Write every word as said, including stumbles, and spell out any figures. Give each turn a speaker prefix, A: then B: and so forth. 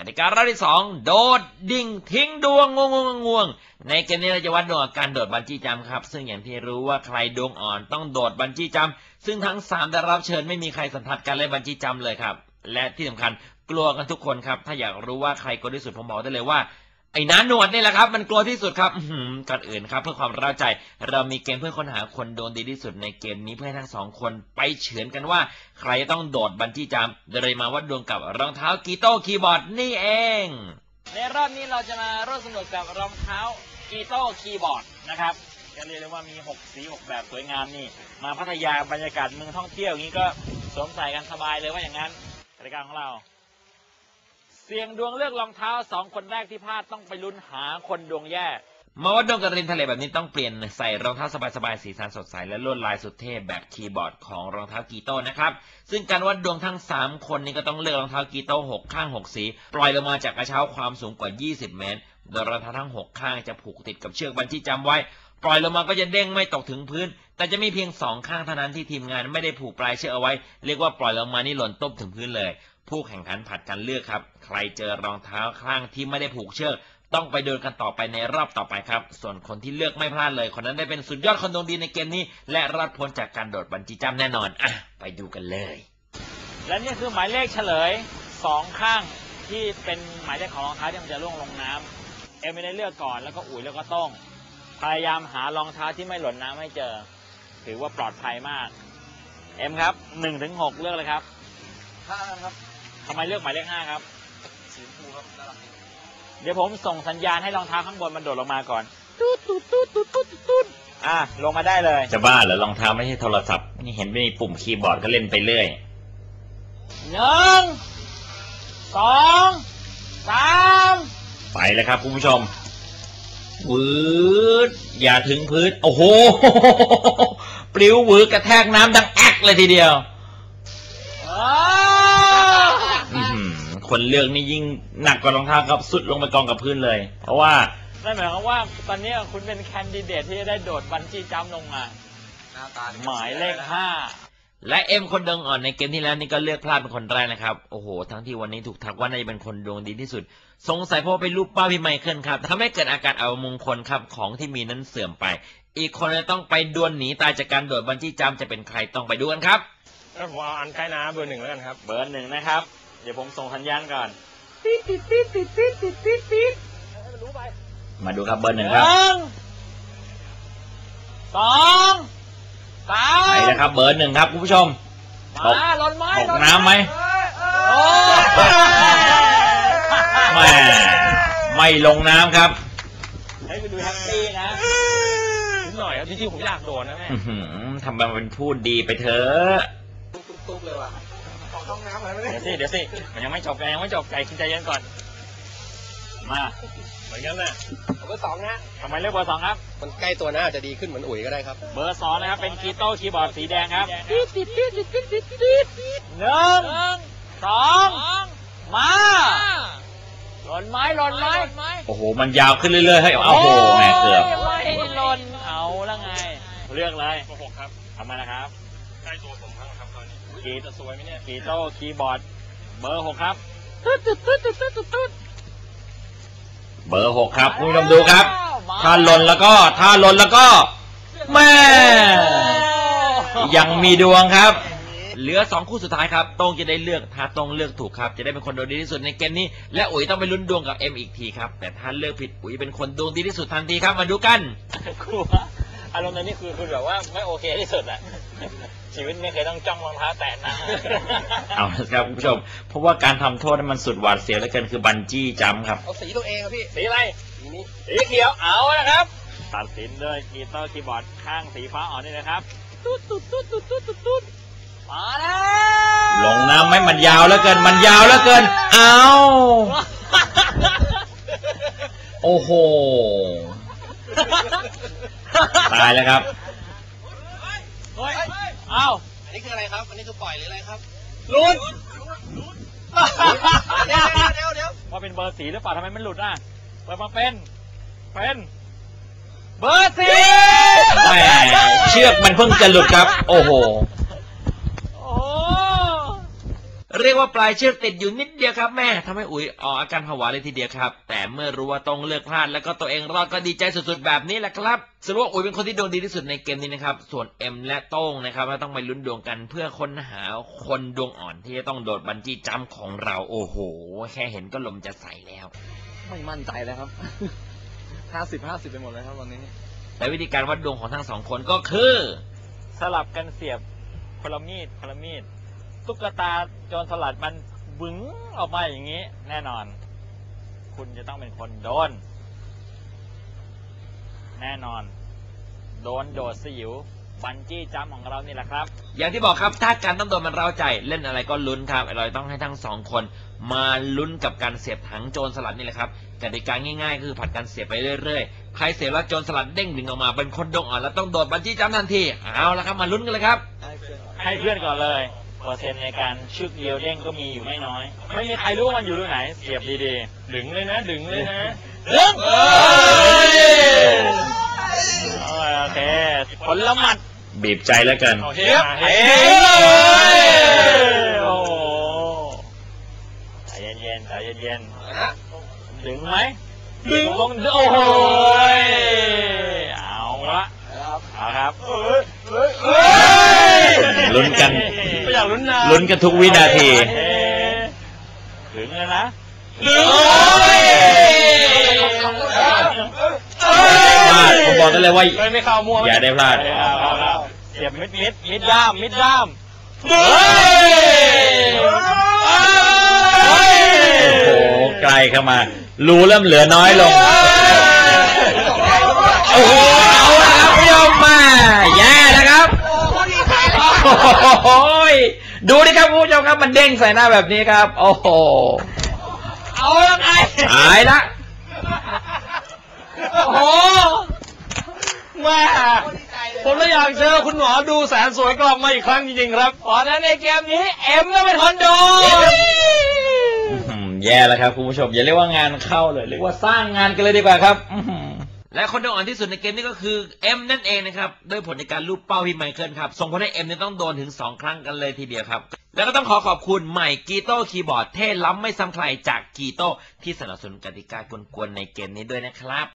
A: ติการอบที่สองโดดดิ่งทิ้งดวงงงงงวงในเกมนี้เราจะวัดดวงการโดดบันจี้จัมป์ครับซึ่งอย่างที่รู้ว่าใครดวงอ่อนต้องโดดบันจี้จัมป์ซึ่งทั้งสามได้รับเชิญไม่มีใครสัมผัสการเล่นบันจี้จัมป์เลยครับและที่สำคัญกลัวกันทุกคนครับถ้าอยากรู้ว่าใครกลัวที่สุดผมบอกได้เลยว่าไอ้น้าหนวดนี่แหละครับมันกลัวที่สุดครับก่อนอื่นครับเพื่อความเร้าใจเรามีเกมเพื่อค้นหาคนโดนดีที่สุดในเกมนี้เพื่อให้ทั้งสองคนไปเฉือนกันว่าใครจะต้องโดดบันจี้จัมป์โดยมาวัดดวงกับรองเท้ากีโต้คีย์บอร์ดนี่เอง
B: ในรอบนี้เราจะมาร่วมสนุกกับรองเท้ากีโต้คีย์บอร์ดนะครับจะเรียกได้ว่ามีหกสีหกแบบสวยงามนี่มาพัทยาบรรยากาศเมืองท่องเที่ยวอย่างนี้ก็สวมใส่กันสบายเลยว่าอย่างนั้นรายการของเราเสี่ยงดวงเลือกรองเท้าสองคนแรกที่พลาดต้องไปลุ้นหาคนดวงแย่
A: มาวัดดวงกับริมทะเลแบบนี้ต้องเปลี่ยนใส่รองเท้าสบายๆสีสันสดใสและลวดลายสุดเท่แบบคีย์บอร์ดของรองเท้ากีโต้นะครับซึ่งการวัดดวงทั้งสามคนนี้ก็ต้องเลือกรองเท้ากีโต้หกข้างหกสีปล่อยลงมาจากกระเช้าความสูงกว่ายี่สิบเมตรโดยรองเท้าทั้งหกข้างจะผูกติดกับเชือกบันจี้จัมป์ไว้ปล่อยลงมาก็จะเด้งไม่ตกถึงพื้นแต่จะมีเพียงสองข้างเท่านั้นที่ทีมงานไม่ได้ผูกปลายเชือกเอาไว้เรียกว่าปล่อยลงมานี่หล่นตุ๊บถึงพื้นเลยผู้แข่งขันผัดกันเลือกครับใครเจอรองเท้าข้างที่ไม่ได้ผูกเชือกต้องไปโดนกันต่อไปในรอบต่อไปครับส่วนคนที่เลือกไม่พลาดเลยคนนั้นได้เป็นสุดยอดคนดวงดีในเกมนี้และรอดพ้นจากการโดดบันจี้จัมป์แน่นอนอ่ะไปดูกันเลย
B: และนี่คือหมายเลขเฉลยสองข้างที่เป็นหมายเลขของรองเท้าที่มันจะล่วงลงน้ำเอ็มไม่ได้เลือกก่อนแล้วก็อุ๋ยแล้วก็ต้องพยายามหารองเท้าที่ไม่หล่นน้ำให้เจอถือว่าปลอดภัยมากเอ็มครับหนึ่งถึงหกเลือกเลยครับ
C: ห้าครับ
B: ทำไมเลือกหมายเลขห้าครับ
C: สีชมพูครับน่ารัก
B: เดี๋ยวผมส่งสัญญาณให้รองเท้าข้างบนมันโดดลงมาก่อนตุ๊ดตุ๊ดตุ๊ดตุ๊ดตุ๊ดตุ๊ดอ่ะลงมาได้เลย
A: จะบ้าเหรอรองเท้าไม่ใช่โทรศัพท์นี่เห็นไม่มีปุ่มคีย์บอร์ดก็เล่นไปเรื่อย
B: หนึ่งสองสาม
A: ไปแล้วครับคุณผู้ชมวืดอย่าถึงพื้นโอ้โหปลิววืดกระแทกน้ำดังแอ๊กเลยทีเดียวคนเลือกนี่ยิ่งหนักกว่ารองเท้าครับสุดลงไปกองกับพื้นเลยเพราะว่า
B: นั่นหมายความว่าตอนนี้คุณเป็นแคนดิเดตที่จะได้โดดบันจี้จัมป์ลงมาหมายเลขห้า
A: และเอ็มคนดวงอ่อนในเกมที่แล้วนี่ก็เลือกพลาดเป็นคนแรกนะครับโอ้โหทั้งที่วันนี้ถูกทักว่าน่าจะเป็นคนดวงดีที่สุดสงสัยเพราะเป็นรูปป้าพี่ไมเคิลครับทำให้เกิดอาการอัปมงคลครับของที่มีนั้นเสื่อมไปอีกคนจะต้องไปดวลหนีตายจากการโดดบันจี้จัมป์จะเป็นใครต้องไปดูกันครับ
C: ผมเอาอันใกล้น้ำเบอร์หนึ่งแล้วกันครับ
B: เบอร์หนึ่งนะครับเดี๋ยวผมส่งสัญญาณก่อนปี๊ดปี๊ดปี๊ดปี๊ดปี๊ดปี๊ดปี๊ดปี๊ด
A: ให้มันรู้ไปมาดูครับเบอร์หนึ่งครับ
B: สองสาม
A: ไปแล้วครับเบอร์หนึ่งครับคุณผู้ชม
B: มาหล่นไม้
A: ตกน้ำไหมไม่ไม่ลงน้ำครับ
B: ให้ไปดูแฮปปี้นะนิดหน่อยครับจริงๆผมอยากโดนนะแม่
A: ทำมันเป็นพูดดีไปเถอะ
C: ตุ๊บเลยว่ะขอเข้าน้ำอะไรไม่ได้
B: เดี๋ยวสิเดี๋ยวสิมันยังไม่จบยังไม่จบใจคิดใจเย็นก่อนมา
C: เหมือนกันแหละเบอร์สองนะ
B: ทำไมเลือกเบอร์สองครับ
C: มันใกล้ตัวนะอาจจะดีขึ้นเหมือนอุ๋ยก็ได้ครับ
B: เบอร์สองนะครับเป็นกีโต้คีย์บอร์ดสีแดงครับติดติดติดติดติดติดติดหนึ่งสองมาหล่นไม้หล่นไม้
A: โอ้โหมันยาวขึ้นเรื่อยๆให้เอาโอ้โหแม่เกือบ
B: ไม่หล่นเอาละไงเลือกเลย
C: เบอร์หกครับ
B: ทำไมนะครับ
C: ใกล้ตัวผมครับตอนนี้
B: กี
C: จะสวยไหมเนี่ย
B: กีโต้คีย์บอร์ดเบอร์หกครับตุ๊ดตุ๊ดตุ๊ดตุ๊ดตุ๊ดตุ๊ด
A: เบอร์หกครับคุณผู้ชมดูครับถ้าหล่นแล้วก็ถ้าหล่นแล้วก็แม่ยังมีดวงครับเหลือสองคู่สุดท้ายครับตรงจะได้เลือกถ้าตรงเลือกถูกครับจะได้เป็นคนดวงดีที่สุดในเกมนี้และอุ๋ยต้องไปลุ้นดวงกับเอ็มอีกทีครับแต่ถ้าเลือกผิดอุ๋ยเป็นคนดวงดีที่สุดทันทีครับมาดูกัน
B: ครูอารมณ์ในนี้คือคือแบบว่าไม่โอเคที่สุดแหละชีวิตไม่เคยต้องจ้องรองเท้าแตะนะ
A: เอาครับคุณผู้ชมเพราะว่าการทำโทษนั้นมันสุดหวาดเสียวเหลือเกินคือบันจี้จัมป์ครับ
C: เอาสีตัวเองครับพี่
B: สีอะไร
C: สีนี้
B: สีเขียวเอาละครับตัดสินด้วยกีโต้คีย์บอร์ดข้างสีฟ้าอ่อนนี่นะครับตุ๊ดตุ๊ดตุ๊ดตุ๊ดตุ๊ดตุ๊ดมาแล้ว
A: ลงน้ำไหมมันยาวเหลือเกินมันยาวเหลือเกินเอาโอ้โหตายแล้วครับ
B: เฮ้ยเอ้า
C: อันนี้คืออะไรครับอันนี้คือปล่อยหรืออะไรครับ
B: ลุ้น
C: เดี๋ยวเดี๋ยวเดี๋ยว
B: ว่าเป็นเบอร์สีหรือเปล่าทำไมมันหลุดอ่ะเปิดมาเป็นเป็นเบอร์สี
A: แหมเชือกมันเพิ่งจะหลุดครับโอ้โหเรียกว่าปลายเชือกติดอยู่นิดเดียวครับแม่ทำให้อุ๋ยออกอาการผวาเลยทีเดียวครับแต่เมื่อรู้ว่าต้องเลือกพลาดแล้วก็ตัวเองรอดก็ดีใจสุดๆแบบนี้แหละครับสรุปว่าอุ๋ยเป็นคนที่ดวงดีที่สุดในเกมนี้นะครับส่วนเอ็มและโต้งนะครับเราต้องไปลุ้นดวงกันเพื่อค้นหาคนดวงอ่อนที่จะต้องโดดบันจี้จัมป์ของเราโอ้โหแค่เห็นก็ลมจะใส่แล้ว
D: ไม่มั่นใจแล้วครับ ห้าสิบห้าสิบไปหมดเลยครับตอนนี้
A: และวิธีการวัดดวงของทั้งสองคนก็คือ
B: สลับกันเสียบคนละมีดคนละมีดตุ๊กตาโจรสลัดมันบึ้งออกมาอย่างนี้แน่นอน คุณจะต้องเป็นคนโดน แน่นอน โดนโดดสยิวบันจี้จัมป์ของเรานี่แหละครับ
A: อย่างที่บอกครับถ้าการต้องโดนมันเร้าใจเล่นอะไรก็ลุ้นครับเราต้องให้ทั้งสองคนมาลุ้นกับการเสียบถังโจรสลัดนี่แหละครับกติกาง่ายๆคือผัดกันเสียบไปเรื่อยๆใครเสียบแล้วโจรสลัดเด้งดึงออกมาเป็นคนดวงอ่อนแล้วต้องโดดบันจี้จัมป์ทันทีเอาละครับมาลุ้นกันเลยครับ
B: ให้เพื่อนก่อนเลยเปอร์เซ็นต์ในการชึกเดียวเด้งก็มีอยู่ไม่น้อย ไม่มีใครรู้ว่ามันอยู่ตรงไหน เสียบดีๆดึงเลยนะดึงเลยนะดึงโอเคผลละหมัด
A: บีบใจแล้วกัน
B: เฮ้ยเฮ้ยโอ้ใจเย็นๆใจเย็นๆดึงไหมดึงลงโอ้โหเอาละเอาครับ
A: ลุ้นกัน
B: ไม่อยากลุ้นนะ
A: ลุ้นกันทุกวินาที
B: ถึงแล้วนะ
A: พลาดผมบอกได้เลยว่า
B: ไม่เข้ามั่ว
A: อย่าได้พลาด
B: เสียบมิดมิดมิดด้ามมิดด้าม
A: โอ้โหไกลเข้ามารูเริ่มเหลือน้อยลงโอ้โหเอาละครับพี่ยมมาแย่นะครับโอ้ยดูดิครับคุณผู้ชมครับมันเด้งใส่หน้าแบบนี้ครับโอ้โห
B: เอาละไง
A: ตายละ
B: โอ้โหแม่ผมเลยอยากเจอคุณหมอดูแสนสวยกลับมาอีกครั้งจริงๆครับเพราะฉะนั้นในเกมนี้เอ็มก็เป็นคนโดน
A: แย่แล้วครับคุณผู้ชมอย่าเรียกว่างานเข้าเลยเรียกว่าสร้างงานกันเลยดีกว่าครับและคนดวงอ่อนที่สุดในเกมนี้ก็คือเอ็มนั่นเองนะครับด้วยผลในการลูบเป้าพี่ไมเคิลครับส่งผลให้เอ็มเนี่ยต้องโดนถึงสองครั้งกันเลยทีเดียวครับแล้วก็ต้องขอขอบคุณใหม่กีโต้คีย์บอร์ดเท่ล้ำไม่ซ้ำใครจากกีโต้ที่สนับสนุนกติกากวนๆในเกมนี้ด้วยนะครับ